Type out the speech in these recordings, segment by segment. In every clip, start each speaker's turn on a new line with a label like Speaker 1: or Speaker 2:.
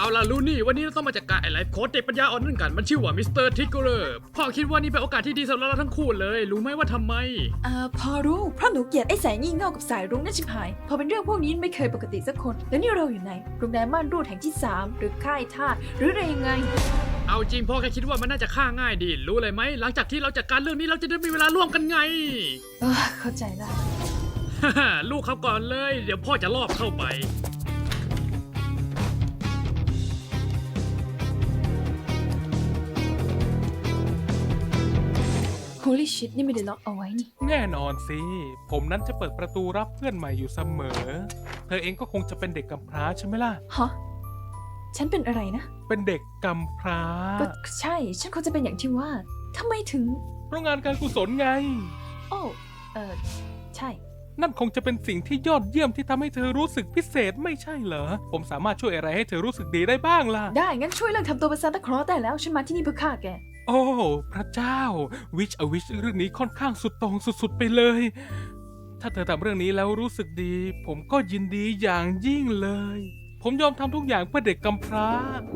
Speaker 1: เอาล่ะลูนี่วันนี้เราต้องมาจัดการไอ้ไลฟ์โค้ดเด็กปัญญาอ่อนนั่นกันมันชื่อว่ามิสเตอร์ทิกเกอร์พ่อคิดว่านี่เป็นโอกาสที่ดีสำหรับเราทั้งคู่เลยรู้ไหมว่าทำไม
Speaker 2: พอรู้เพราะหนูเกลียดไอ้สายงี่เง่ากับสายรุ้งนั่นชิบหายพอเป็นเรื่องพวกนี้ไม่เคยปกติสักคนแล้วนี่เราอยู่ไหนโรงแรมม่านรูดแห่งที่3หรือค่ายทาสหรืออะไรยังไง
Speaker 1: เอาจริงพ่อแค่คิดว่ามันน่าจะฆ่าง่ายดีรู้เลยไหมหลังจากที่เราจัดการเรื่องนี้เราจะได้มีเวลาร่วมกันไง
Speaker 2: เข้าใจละ
Speaker 1: ลูกเขาก่อนเลยเดี๋ยวพ่อจะลอบเข้าไป
Speaker 2: Holy shit นี่ไม่ได้ล็อกเอาไว้นี่
Speaker 3: แน่นอนสิผมนั้นจะเปิดประตูรับเพื่อนใหม่อยู่เสมอเธอเองก็คงจะเป็นเด็กกำพร้าใช่ไหมล่ะ
Speaker 2: ฮะฉันเป็นอะไรนะ
Speaker 3: เป็นเด็กกำพร้า
Speaker 2: ก็ใช่ฉันคงจะเป็นอย่างที่ว่าทำไมถึง
Speaker 3: เพราะงานการกุศลไง
Speaker 2: โอ้ใช่
Speaker 3: นั่นคงจะเป็นสิ่งที่ยอดเยี่ยมที่ทำให้เธอรู้สึกพิเศษไม่ใช่เหรอผมสามารถช่วยอะไรให้เธอรู้สึกดีได้บ้างล่ะ
Speaker 2: ได้งั้นช่วยเลิกทำตัวเป็นซานตาคลอสได้แล้วฉันมาที่นี่เพื่อฆ่าแก
Speaker 3: โอ้พระเจ้าวิชเรื่องนี้ค่อนข้างสุดโต่งสุดๆไปเลยถ้าเธอทำเรื่องนี้แล้วรู้สึกดีผมก็ยินดีอย่างยิ่งเลยผมยอมทำทุกอย่างเพื่อเด็กกำพร้า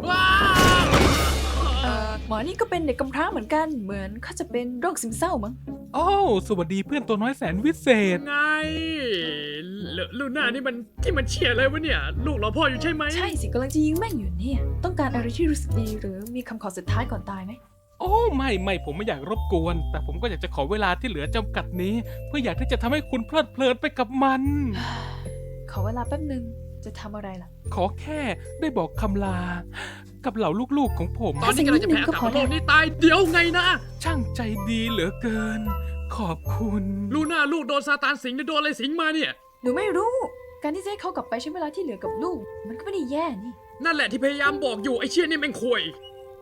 Speaker 2: หมอนี่ก็เป็นเด็กกำพร้าเหมือนกันเหมือนเขาจะเป็นโรคซึมเศร้ามั้ง
Speaker 3: โอ้สวัสดีเพื่อนตัวน้อยแสนวิเศษ
Speaker 1: ไงลูน่านี่มันที่มันเชียร์อะไรวะเนี่ยลูกเราพ่ออยู่ใช่ไหม
Speaker 2: ใช่สิกำลังจะยิงแม่งอยู่เนี่ยต้องการอะไรที่รู้สึกดีหรือมีคำขอสุดท้ายก่อนตายไหม
Speaker 3: โอ้ไม่ผมไม่อยากรบกวนแต่ผมก็อยากจะขอเวลาที่เหลือจำกัดนี้เพื่ออยากที่จะทำให้คุณเพลิดเพลินไปกับมัน
Speaker 2: ขอเวลาแป๊บนึงจะทำอะไรล่ะ
Speaker 3: ขอแค่ได้บอกคำลากับเหล่าลูกๆของผม
Speaker 1: ตอนนี้กำลังจะแพ้อากาศโลกนี้ตายเดี๋ยวไงนะ
Speaker 3: ช่างใจดีเหลือเกินขอบคุณ
Speaker 1: ลูน่าลูกโดนซาตานสิงหรือโดนอะไรสิงมาเนี่ย
Speaker 2: หนูไม่รู้การที่จะให้เขากลับไปใช้เวลาที่เหลือกับลูกมันก็ไม่ได้แย่นี่
Speaker 1: นั่นแหละที่พยายามบอกอยู่ไอ้เชี่ยนี่แม่งควย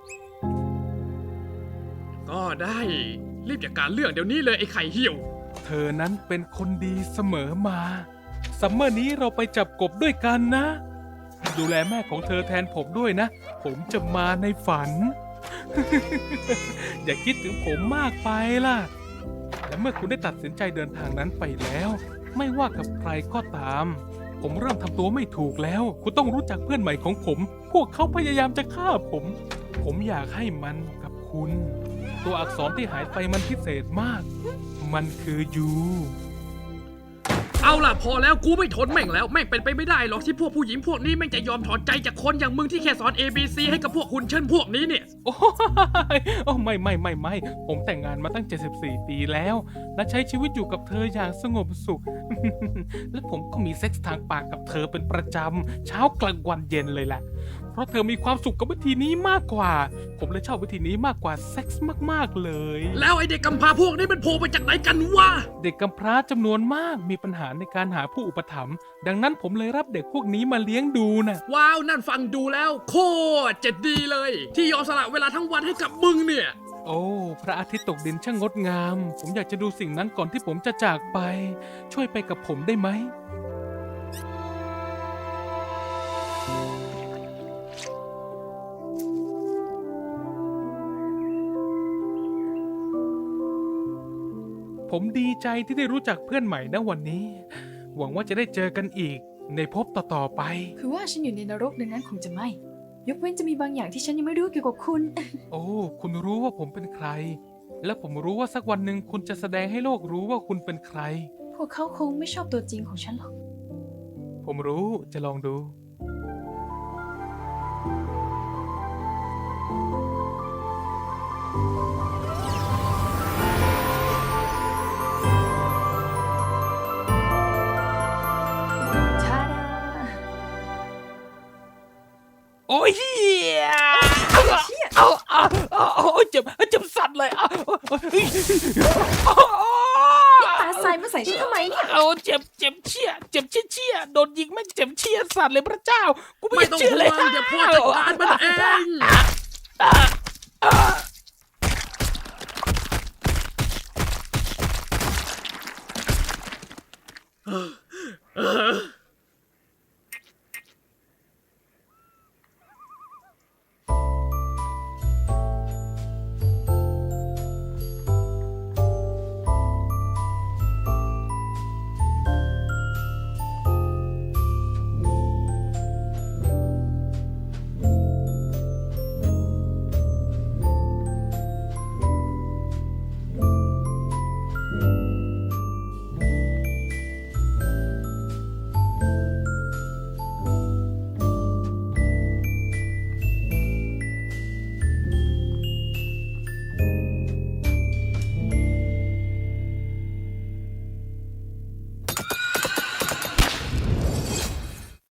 Speaker 1: ก็ได้รีบจัดการเรื่องเดี๋ยวนี้เลยไอ้ไข่เหี่ยว
Speaker 3: เธอนั้นเป็นคนดีเสมอมาซัมเมอร์นี้เราไปจับกบด้วยกันนะดูแลแม่ของเธอแทนผมด้วยนะผมจะมาในฝัน อย่าคิดถึงผมมากไปล่ะและเมื่อคุณได้ตัดสินใจเดินทางนั้นไปแล้วไม่ว่ากับใครก็ตามผมเริ่มทำตัวไม่ถูกแล้วคุณต้องรู้จักเพื่อนใหม่ของผมพวกเขาพยายามจะฆ่าผมอยากให้มันกับคุณตัวอักษรที่หายไปมันพิเศษมากมันคือยู
Speaker 1: เอาล่ะพอแล้วกูไม่ทนแม่งแล้วแม่งเป็นไปไม่ได้หรอกที่พวกผู้หญิงพวกนี้แม่งจะยอมถอดใจจากคนอย่างมึงที่แค่สอน ABC ให้กับพวกคุณเช่นพวกนี้เนี่ย
Speaker 3: โอ้ไม่ผมแต่งงานมาตั้ง74 ปีแล้วและใช้ชีวิตอยู่กับเธออย่างสงบสุข และผมก็มีเซ็กส์ทางปากกับเธอเป็นประจำเช้ากลางวันเย็นเลยแหละเพราะเธอมีความสุขกับวิธีนี้มากกว่าผมเลยชอบวิธีนี้มากกว่าเซ็กส์มากๆเลย
Speaker 1: แล้วไอเด็กกำพร้าพวกนี้มันโผล่มาจากไหนกันวะ
Speaker 3: เด็กกำพร้าจำนวนมากมีปัญหาในการหาผู้อุปถัมภ์ดังนั้นผมเลยรับเด็กพวกนี้มาเลี้ยงดูนะ
Speaker 1: ว้าวนั่นฟังดูแล้วโคตรจะดีเลยที่ยอมสละเวลาทั้งวันให้กับมึงเนี่ย
Speaker 3: โอ้พระอาทิตย์ตกดินช่างงดงามผมอยากจะดูสิ่งนั้นก่อนที่ผมจะจากไปช่วยไปกับผมได้ไหมผมดีใจที่ได้รู้จักเพื่อนใหม่นะวันนี้หวังว่าจะได้เจอกันอีกในภพต่อๆไป
Speaker 2: คือว่าฉันอยู่ในนรกดังนั้นคงจะไม่ยกเว้นจะมีบางอย่างที่ฉันยังไม่รู้เกี่ยวกับคุณ
Speaker 3: โอ้คุณรู้ว่าผมเป็นใครและผมรู้ว่าสักวันหนึ่งคุณจะแสดงให้โลกรู้ว่าคุณเป็นใคร
Speaker 2: พวกเขาคงไม่ชอบตัวจริงของฉันหรอก
Speaker 3: ผมรู้จะลองดูโอ้ยเฮียเจ็บสั่นเลย
Speaker 2: ตาใส่มาใส่ฉันทำไมเนี่ย
Speaker 3: เจ็บเชี่ยโดนยิงไม่เจ็บเชี่ยสั่นเลยพระเจ้ากูไม่
Speaker 1: ต้อง
Speaker 3: เชื่อเลย
Speaker 1: เดี๋ยวพ่อจัดการมันเอง